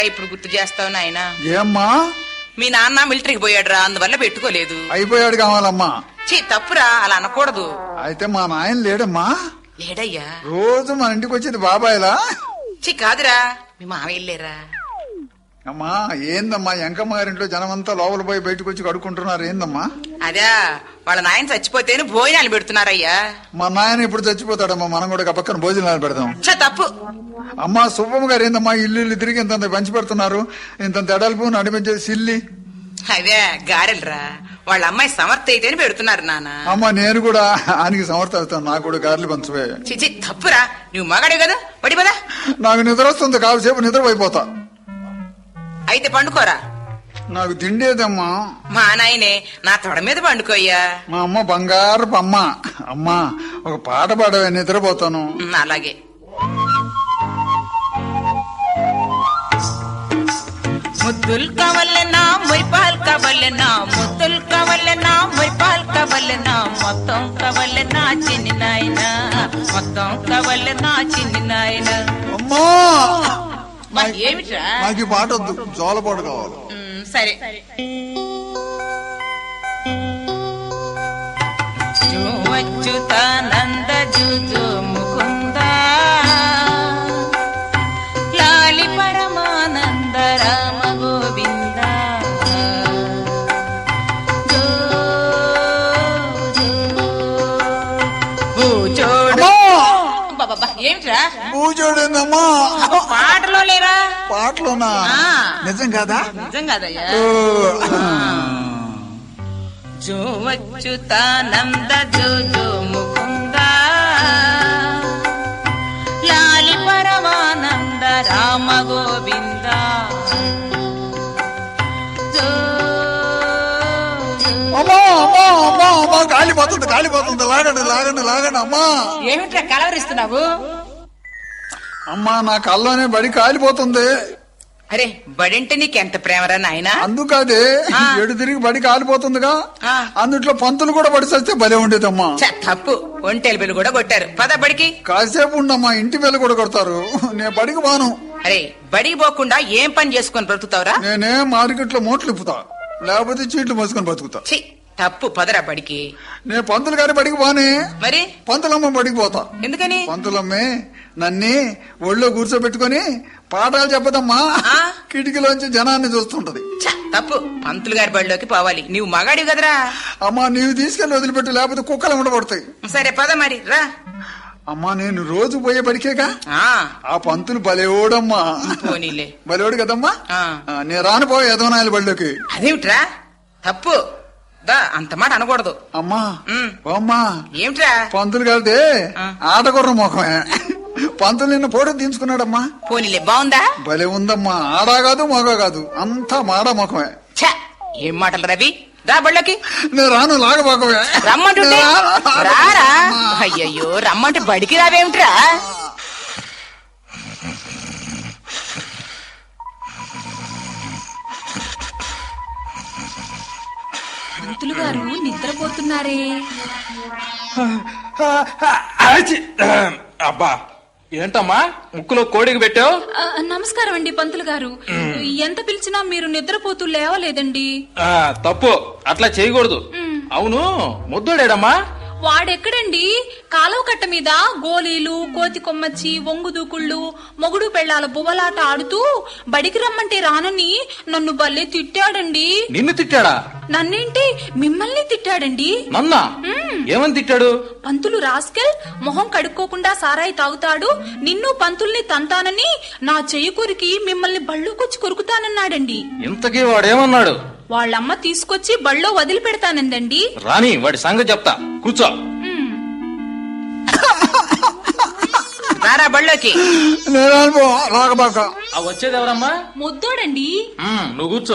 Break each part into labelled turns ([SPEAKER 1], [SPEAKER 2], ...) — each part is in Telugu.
[SPEAKER 1] ఇప్పుడు గుర్తు చేస్తావు నాయనా?
[SPEAKER 2] ఏమ్మా?
[SPEAKER 1] మీ నాన్న మిలిటరీకి పోయాడురా, అందువల్ల పెట్టుకోలేదు.
[SPEAKER 2] అయిపోయాడు కావాలమ్మా.
[SPEAKER 1] చీ, తప్పురా, అలా అనకూడదు.
[SPEAKER 2] అయితే మా నాయన లేడమ్మా?
[SPEAKER 1] లేడయ్యా.
[SPEAKER 2] రోజు మన ఇంటికి వచ్చేది బాబాయ్లా?
[SPEAKER 1] చీ, కాదురా, మీ మామయ్య లేరా?
[SPEAKER 2] అమ్మా ఏందమ్మా, ఎంకమ్మ గారింట్లో జనమంతా లోపల పోయి బయటకు వచ్చి కడుక్కుంటున్నారు, ఏందమ్మా?
[SPEAKER 1] అదే వాళ్ళ నాయన చచ్చిపోతేనే భోజనాలు పెడుతున్నారయ్యా.
[SPEAKER 2] మా నాయన ఇప్పుడు చచ్చిపోతాడమ్మా, మనం కూడా పక్కన భోజనాలు పెడదాం.
[SPEAKER 1] చ, తప్పు.
[SPEAKER 2] అమ్మా సుబ్బమ్మ గారు ఏందమ్మా, ఇల్లు తిరిగి ఇంత పంచి పెడుతున్నారు, ఇంత ఎడల్పు నడిపించే సిల్లి.
[SPEAKER 1] అదే గారెలరా, వాళ్ళ అమ్మాయి సమర్థ అయితేనే పెడుతున్నారు నాన్న.
[SPEAKER 2] అమ్మా నేను కూడా ఆయనకి సమర్థ అవుతాను, నాకు కూడా గారెలు పంచవే.
[SPEAKER 1] చిచి, తప్పురా, నువ్వు మగాడే కదా, పడి పదా.
[SPEAKER 2] నాకు నిద్ర వస్తుంది, కాసేపు నిద్రపోయిపోతా.
[SPEAKER 1] అయితే పండుకోరా.
[SPEAKER 2] నాకు తిండేదమ్మా.
[SPEAKER 1] మా నాయనే నా తొడ మీద పండుకోయ్యా.
[SPEAKER 2] మా అమ్మ బంగారు అమ్మ. అమ్మా ఒక పాట పాడవే, నిద్రపోతాను.
[SPEAKER 1] అలాగే. ముద్దులు కావాలన్నా మొయ్పాలు కావాలన్నా, ముద్దులు కావాలన్నా మొయ్పాలు కావాలన్నా, మొత్తం కావాలన్నా చిన్ని నాయన, మొత్తం కావాలన్నా చిన్ని నాయన.
[SPEAKER 2] అమ్మా
[SPEAKER 1] ఏమిట్రా?
[SPEAKER 2] నాకు ఈ పాట వద్దు, జోల పాట కావాలి.
[SPEAKER 1] సరే. అచ్యుతానంద జుజు ముకుంద, లాలి పరమానంద రామ గోవింద. ఏమిట్రా?
[SPEAKER 2] పూజోడేందమ్మా?
[SPEAKER 1] పాటలో లేరా?
[SPEAKER 2] పాటలోనా? నిజం కాదా?
[SPEAKER 1] నిజం కాదయ్యా. జో అచ్యుతానంద జో జో ముకుంద, లాలి పరమానంద రామ గోవింద.
[SPEAKER 2] కాలిపోతుంది, కాలిపోతుంది, లాగండి లాగండి లాగండి. అమ్మా
[SPEAKER 1] ఏమిట్రా కలవరిస్తున్నావు?
[SPEAKER 2] అమ్మా నా కల్లోనే బడి కాలిపోతుంది.
[SPEAKER 1] అరే, బడింటే నీకెంత ప్రేమరా నాయనా?
[SPEAKER 2] అందుకదే ఎడు తిరిగి బడి కాలిపోతుందిగా,
[SPEAKER 1] ఆ.
[SPEAKER 2] అందుట్లో పంతులు కూడా బడి చస్తే భలే ఉండేదమ్మా.
[SPEAKER 1] తప్పు, ఒంటెల బిల్లు కూడా కొట్టారు. పద బడికి.
[SPEAKER 2] కాసేపు ఉండమ్మా, ఇంటి వేలు కూడా కొడతారు, నేను బడికి బాను.
[SPEAKER 1] అరే, బడికి పోకుండా ఏం పని చేసుకొని బ్రతుకుతావురా?
[SPEAKER 2] నేనే మార్కెట్ లో మోట్లు ఇప్పుతా, లేకపోతే చీట్లు మోసుకొని బతుకుతా.
[SPEAKER 1] ఛీ, తప్పు, పదరా బడికి.
[SPEAKER 2] నేను పంతులు గారి బడికి బానే,
[SPEAKER 1] మరి
[SPEAKER 2] పంతులమ్మ బడికి పోతా.
[SPEAKER 1] ఎందుకని?
[SPEAKER 2] పంతులమ్మే నన్ను ఒళ్ళో కూర్చోబెట్టుకుని పాఠాలు చెప్పదమ్మా,
[SPEAKER 1] ఆ?
[SPEAKER 2] కిటికీలోంచి జనాన్ని చూస్తుంటది.
[SPEAKER 1] ఛ, తప్పు, పంతులు గారి బడిలోకి పోవాలి. నీవు మగాడివి కదరా.
[SPEAKER 2] అమ్మా నీవు తీసుకెళ్లి వదిలిపెట్టు, లేకపోతే కుక్కలు ఉండబడతాయి.
[SPEAKER 1] సరే పద మరి రా.
[SPEAKER 2] అమ్మా నేను రోజు పోయే బడికేగా, ఆ పంతులు బలేోడమ్మా.
[SPEAKER 1] పోనీలే,
[SPEAKER 2] బలేోడు కదమ్మా.
[SPEAKER 1] ఆ.
[SPEAKER 2] నేను రానుపోయే యదవనాయల బడిలోకి.
[SPEAKER 1] అదేమిట్రా? తప్పు, దా, అంత మాట అనకూడదు.
[SPEAKER 2] అమ్మా
[SPEAKER 1] ఉమ్.
[SPEAKER 2] అమ్మా
[SPEAKER 1] ఏమిట్రా?
[SPEAKER 2] పంతులు కలితే
[SPEAKER 1] ఆ.
[SPEAKER 2] ఆటగుర్ర ముఖమే. పంతులు నిన్న పోటీ తీసుకున్నాడమ్మా.
[SPEAKER 1] పోనీలే, బాగుందా?
[SPEAKER 2] భలే ఉందమ్మా, ఆడా కాదు మగ కాదు, అంతా మాడ ముఖమే.
[SPEAKER 1] ఛ, ఏం మాటలు రవి, రా బళ్ళకి.
[SPEAKER 2] నేను రాను, లాగబాకమే.
[SPEAKER 1] రమ్మంటుంటే రారా? అయ్యయ్యో, రమ్మంటే బడికి రావేమిట్రా?
[SPEAKER 3] పంతులు గారు నిద్రపోతున్నారే.
[SPEAKER 4] అబ్బా, ఏంటమ్మా ముక్కులో కోడికి పెట్టావు?
[SPEAKER 3] నమస్కారం అండి పంతులు గారు. ఎంత పిలిచినా మీరు నిద్రపోతూ లేవలేదండి.
[SPEAKER 4] తప్పు, అట్లా చేయకూడదు. అవును, ముద్దుడేడమ్మా?
[SPEAKER 3] వాడెక్కడండి? కాలువ కట్ట మీద గోలీలు, కోతి కొమ్మచ్చి, ఒంగుదూకుళ్ళు, మొగుడు పెళ్లాల బువ్వలాట ఆడుతూ బడికి రమ్మంటే రానని నన్ను భలే తిట్టాడండి.
[SPEAKER 4] నిన్ను తిట్టాడా?
[SPEAKER 3] నన్నేంటి, మిమ్మల్ని తిట్టాడండి.
[SPEAKER 4] నన్నా? ఏమని తిట్టాడు?
[SPEAKER 3] పంతులు రాస్కెల్, మొహం కడుక్కోకుండా సారాయి తాగుతాడు, నిన్ను పంతుల్ని తంతానని నా చెయ్యి కొరికి మిమ్మల్ని బళ్ళోకొచ్చి కొరుకుతానన్నాడండి.
[SPEAKER 4] ఇంతకీ వాడేమన్నాడు?
[SPEAKER 3] వాళ్ళమ్మ తీసుకొచ్చి బళ్ళో వదిలిపెడతానందండి.
[SPEAKER 4] రాని వాడి సంగతి చెప్తా, కూర్చో.
[SPEAKER 1] రారా బళ్ళోకి.
[SPEAKER 2] నేను లాగబాక.
[SPEAKER 4] వచ్చేది ఎవరమ్మా?
[SPEAKER 3] ముద్దోడండి.
[SPEAKER 4] నువ్వు కూర్చో.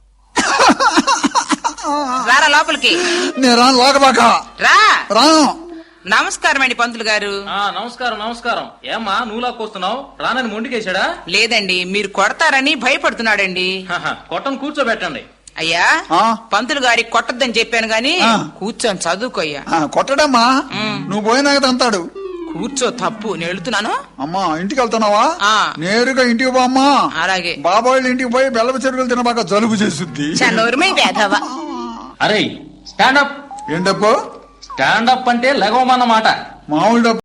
[SPEAKER 1] రారా లోపలికి.
[SPEAKER 2] నేను రాను, లాగబాక.
[SPEAKER 1] రా.
[SPEAKER 2] రాను.
[SPEAKER 1] నమస్కారం అండి పంతులు గారు.
[SPEAKER 4] నమస్కారం నమస్కారం. ఏమ్మా నువ్వు లాక్కొస్తున్నావు? రానని మొండికేశాడా?
[SPEAKER 1] లేదండి, మీరు కొడతారని భయపడుతున్నాడండి.
[SPEAKER 4] కొట్టను, కూర్చోబెట్టండి.
[SPEAKER 1] అయ్యా, పంతులు గారికి కొట్టద్దని చెప్పాను గాని కూర్చొని చదువుకోయ్యా.
[SPEAKER 2] కొట్టడమ్మా, నువ్వు పోయినాక తంతాడు.
[SPEAKER 1] కూర్చో తప్పు నేను వెళుతున్నాను.
[SPEAKER 2] అమ్మా ఇంటికి వెళ్తున్నావా?
[SPEAKER 1] ఆ.
[SPEAKER 2] నేరుగా ఇంటికి పో అమ్మా.
[SPEAKER 1] అలాగే.
[SPEAKER 2] బాబాయ్ ఇంటికి పోయి బెల్లపు చెరుకులు తినబాక జలుబు చేస్తుంది.
[SPEAKER 1] చన్నోరుమై వేధవా.
[SPEAKER 4] అరే స్టాండప్.
[SPEAKER 2] ఏంటప్పో?
[SPEAKER 4] స్టాండప్ అంటే లెగవమన్నమాట.
[SPEAKER 2] మామూలు డప్పు